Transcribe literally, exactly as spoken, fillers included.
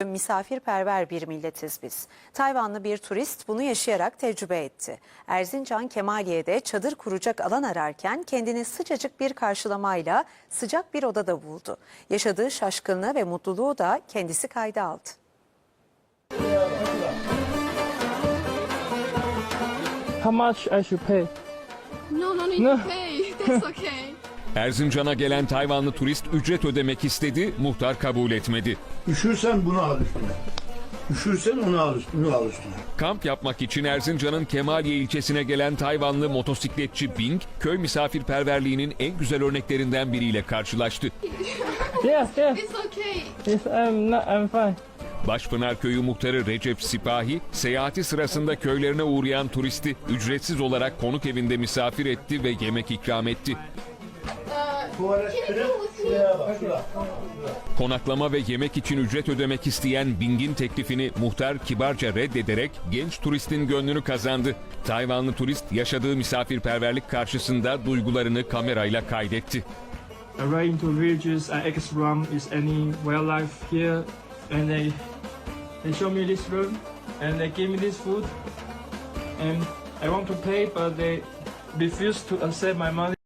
Misafirperver bir milletiz biz. Tayvanlı bir turist bunu yaşayarak tecrübe etti. Erzincan Kemaliye'de çadır kuracak alan ararken kendini sıcacık bir karşılamayla sıcak bir odada buldu. Yaşadığı şaşkınlığı ve mutluluğu da kendisi kayda aldı. How much I should pay? No, no need No. to pay. That's okay. Erzincan'a gelen Tayvanlı turist ücret ödemek istedi, muhtar kabul etmedi. Üşürsen bunu al üstüne. Üşürsen onu al üstüne, al üstüne. Kamp yapmak için Erzincan'ın Kemaliye ilçesine gelen Tayvanlı motosikletçi Bing, köy misafirperverliğinin en güzel örneklerinden biriyle karşılaştı. Yes, yes. It's okay. Yes, I'm not, I'm fine. Başpınar Köyü muhtarı Recep Sipahi, seyahati sırasında köylerine uğrayan turisti ücretsiz olarak konuk evinde misafir etti ve yemek ikram etti. Şuraya bak, şuraya. Konaklama ve yemek için ücret ödemek isteyen Bing'in teklifini muhtar kibarca reddederek genç turistin gönlünü kazandı. Tayvanlı turist yaşadığı misafirperverlik karşısında duygularını kamerayla kaydetti. I ride into villages, I explore is any wildlife here, and they they show me this room, and they give me this food, and I want to pay, but they refuse to accept my money.